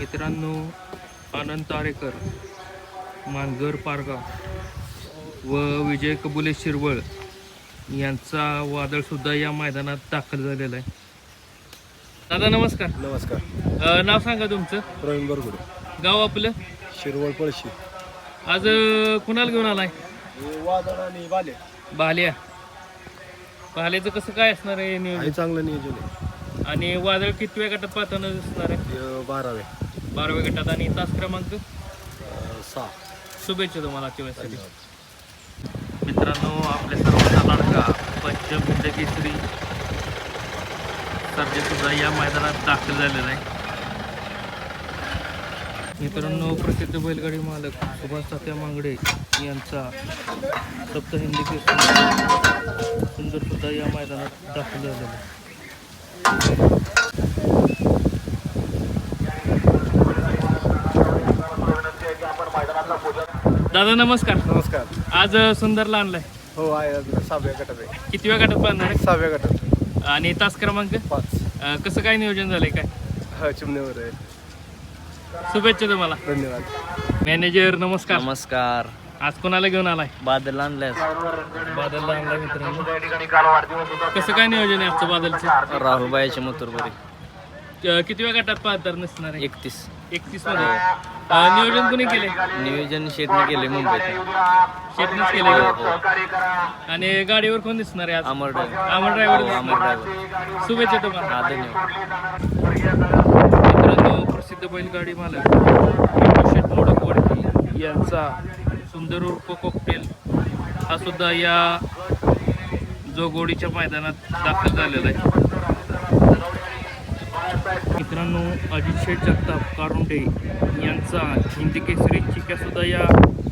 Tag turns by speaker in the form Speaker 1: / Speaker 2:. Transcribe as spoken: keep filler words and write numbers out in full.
Speaker 1: मित्रांनो, अनंत आरेकर मानगर पारगाव व विजय कबुले शिरवळ यांचा वादळसुद्धा या मैदानात दाखल झालेला आहे. दादा नमस्कार.
Speaker 2: नमस्कार.
Speaker 1: अ, नाव सांगा तुमचं.
Speaker 2: प्रवीण बरगुडे,
Speaker 1: गाव आपलं.
Speaker 2: शिरवळ पळशी.
Speaker 1: आज अ, कुणाला घेऊन आलाय.
Speaker 2: वादळ आणि बाले
Speaker 1: भाल्या. भाल्याचं कसं काय असणार आहे नियोजन.
Speaker 2: आहे चांगलं नियोजन आहे.
Speaker 1: आणि वादळ कितव्या गटात पाहताना दिसणार आहे.
Speaker 2: हे बारावे
Speaker 1: बाराव्या गटात. आणि तास क्रमांक
Speaker 2: अं, सहा.
Speaker 1: शुभेच्छा तुम्हाला आजच्या वेळेसाठी. मित्रांनो, आपल्या सर्वांचा लाडका पंचम हिंद केसरी सर्जा सुद्धा या मैदानात दाखल झालेला आहे. मित्रांनो, प्रसिद्ध बैलगाडी मालक सुभाष तात्या मांगडे यांचा सप्त हिंदी केसरी सुंदर सुद्धा या मैदानात दाखल झालेला आहे. दादा नमस्कार.
Speaker 2: नमस्कार.
Speaker 1: आज सुंदरला आणलाय.
Speaker 2: हो आहे. अजून सहाव्या गटात आहे.
Speaker 1: कितव्या गटात पाहणार आहे.
Speaker 2: सहाव्या गटात.
Speaker 1: आणि तास क्रमांक
Speaker 2: पाच.
Speaker 1: अ, कसं काय नियोजन झालंय काय.
Speaker 2: हा चिमण्यावर आहे.
Speaker 1: शुभेच्छा तुम्हाला.
Speaker 2: धन्यवाद.
Speaker 1: मॅनेजर नमस्कार.
Speaker 3: नमस्कार.
Speaker 1: आज कोणाला घेऊन आलाय.
Speaker 3: बादल आणल्यास
Speaker 1: बादलला आणलाय मित्रांनो. कसं काय नियोजन आहे आजचं बादलचं.
Speaker 3: राहुलबाईचे मथुरपुरी
Speaker 1: अ, कितव्या गटात पाहतर नसणार आहे.
Speaker 3: एकतीस.
Speaker 1: एकतीस मध्ये. अ, नियोजन कोणी केले.
Speaker 3: नियोजन शेटने केले मुंबईत.
Speaker 1: शेटनेच केले. आणि गाडीवर कोण दिसणार आहे आज.
Speaker 3: अमर ड्रायव्हर.
Speaker 1: अमर ड्रायव्हर
Speaker 3: अमर
Speaker 1: दिसणार.
Speaker 3: ड्रायव्हर.
Speaker 1: शुभेच्छा तुम्हाला.
Speaker 3: हा धन्यवाद.
Speaker 1: मित्रांनो, प्रसिद्ध बैलगाडी मालक शेठ मोडकवडकी यांचा सुंदर उर्फ कॉकटेल हा सुद्धा या जोगोडीच्या मैदानात दाखल झालेला आहे. मित्रांनो, अजित शेठ जगताप कारुंडे यांचा हिंदी केसरी चिक्या सुद्धा या